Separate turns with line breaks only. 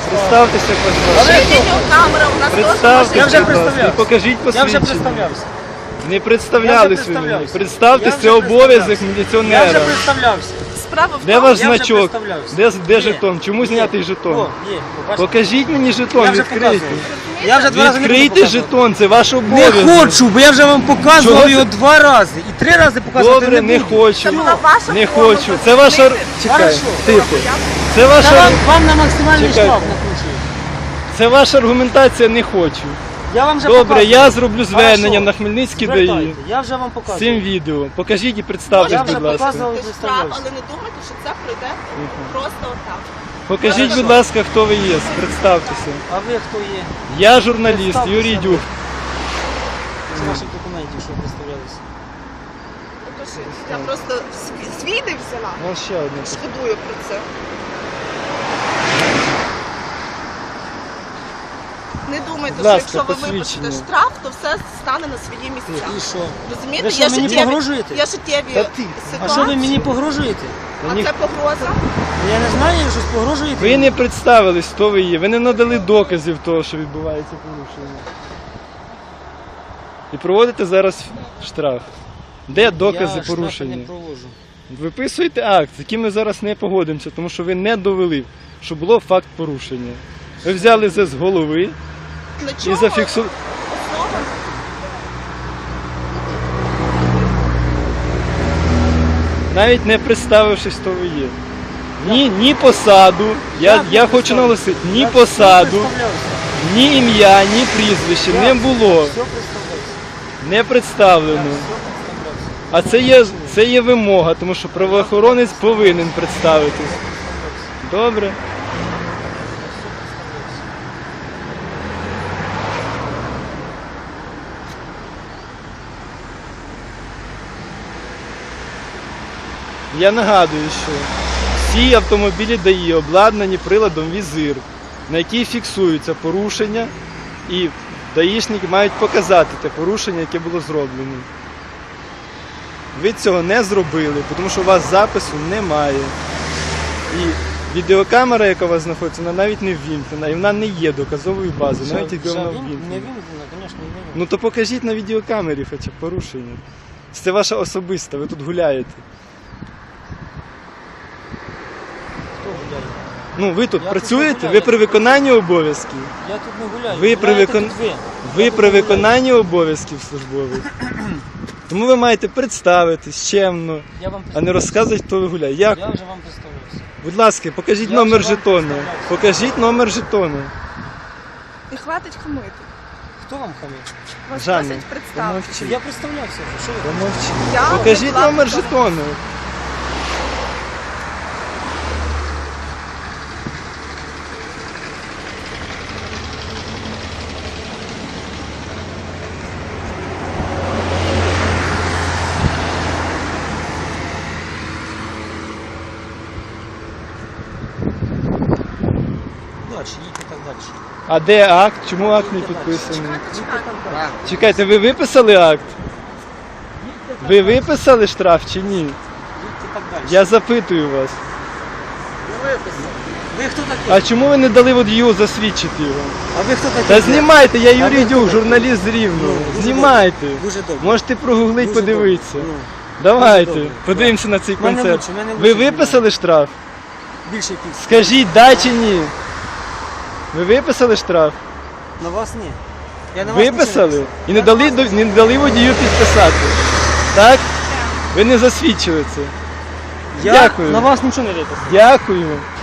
Представтеся, будь ласка.
Відеокамера у нас теж
Представтеся,
Я вже
будь ласка, і
представлявся.
покажіть
Я вже
посвідчення.
представлявся.
Не представлялись ви мені.
представлявся.
Представтеся,
Я
це
вже
обов'язок
представлявся. Я
міліціонера.
вже представлявся.
справа в
Де
тому,
ваш
я вже
значок?
представлявся.
Де
Є.
жетон? Чому знятий жетон?
О, є, побачите.
Покажіть мені жетон,
Я вже
відкрийте.
показував. Я вже 2 рази не буду
Відкрийте
показувати.
жетон, це ваш
Не
обов'язок.
хочу, бо я вже вам показував
Чого
його 2 рази. І 3 рази показувати
Добре, не
буду.
хочу.
Це була ваша
Не
форма
хочу. Це ваша...
зупинити.
Чекай,
Хорошо.
тихо. Це
Та
ваша...
вам на максимальний
Чекайте.
штраф накручую.
Це ваша аргументація, не хочу.
Я вам вже
Добре,
показував.
я зроблю звернення
Хорошо.
на Хмельницький ДАІ
Звертайте, я вже вам
з
показував.
цим відео. Покажіть і
Я
представтесь,
вже
будь ласка.
показував.
Це штраф, але не думайте, що це пройде просто отак.
Покажіть, будь ласка, хто ви є, представтеся.
А ви хто є?
Я журналіст,
Представтеся.
Юрій Дюк.
З ваших документів, що представлялися.
Покажіть. Я просто свій не взяла.
У нас ще одне.
Шкодую про це. Не думайте,
Будь
що
ласка,
якщо ви
посвідчення.
випишете штраф, то все стане на свої місця.
І що?
Розумієте?
Ви що, мені погрожуєте?
Є життєві
Та ти.
А що ви мені
ситуації.
погрожуєте?
А це погроза?
Я не знаю, ви щось погрожуєте?
Ви не представились, хто ви є. Ви не надали доказів того, що відбувається порушення. І проводите зараз штраф. Де докази
Я штрафи
порушення?
не проводжу.
Виписуєте акт, з яким ми зараз не погодимося, тому що ви не довели, що було факт порушення. Ви взяли це з голови
Для
і
чого?
зафіксували.
Основа?
Навіть не представившись, хто ви є. Ні посаду, я хочу наголосити, ні
Я все
посаду,
представлявся.
ні ім'я, ні прізвище не було,
Все представлявся.
не представлено.
Все представлявся.
А це є вимога, тому що правоохоронець повинен представитись. Добре? Я нагадую, що всі автомобілі ДАІ обладнані приладом візир, на який фіксуються порушення, і даїшники мають показати те порушення, яке було зроблено. Ви цього не зробили, тому що у вас запису немає. І відеокамера, яка у вас знаходиться, вона навіть не ввімкнена, і вона не є доказовою базою, навіть якби вона
Не
ввімкнена.
вимкнено, звісно, не вимкнено.
Ну то покажіть на відеокамері хоча б порушення. Це ваша особиста, ви тут гуляєте.
Хто гуляє?
Ну ви тут
Я
працюєте,
тут не
ви
гуляю,
при
я тут
виконанні обов'язків.
Я тут не гуляю.
Ви при
Гуляєте
викон-
тут ви.
Ви
Я
при
тут не гуляю.
виконанні обов'язків службових. Тому ви маєте представитись чемно,
Я вам
а не розказувати, хто ви гуляє. Як?
Я вже вам представився.
Будь ласка, покажіть
Я
номер
вже вам
жетона.
представлявся.
Покажіть номер жетона.
І хватить хамити.
Хто вам хамить?
Вас
Жанна,
просять представити.
Я представлявся. Що ви?
Помовчи.
Я
Покажіть
була
номер
готова.
жетону.
Далі, їдьте так далі.
А де акт? Чому акт не підписаний?
Чекайте.
Чекайте, ви виписали акт? Ви виписали штраф чи ні?
Їдьте так далі.
Я запитую вас.
Ви хто такий?
А чому ви не дали водію засвідчити його?
А ви хто такий?
Та знімайте, я
А
Юрій
ви хто
Дюк,
такий?
журналіст з Рівного.
Дуже
Знімайте.
добре. Дуже добре.
Можете прогуглити,
Дуже
подивитися.
добре. Ну,
Давайте,
добре.
подивимося на цей
Мене
концерт.
лучше, мене
Ви
лучше
виписали штраф?
більше піс.
Скажіть, да чи ні? Ви виписали штраф?
На вас ні. Я на вас нічого не
Виписали?
писав.
І не дали водію підписати. Так? Ви не засвідчили це.
Я
Дякую.
на вас нічого не виписав.
Дякую.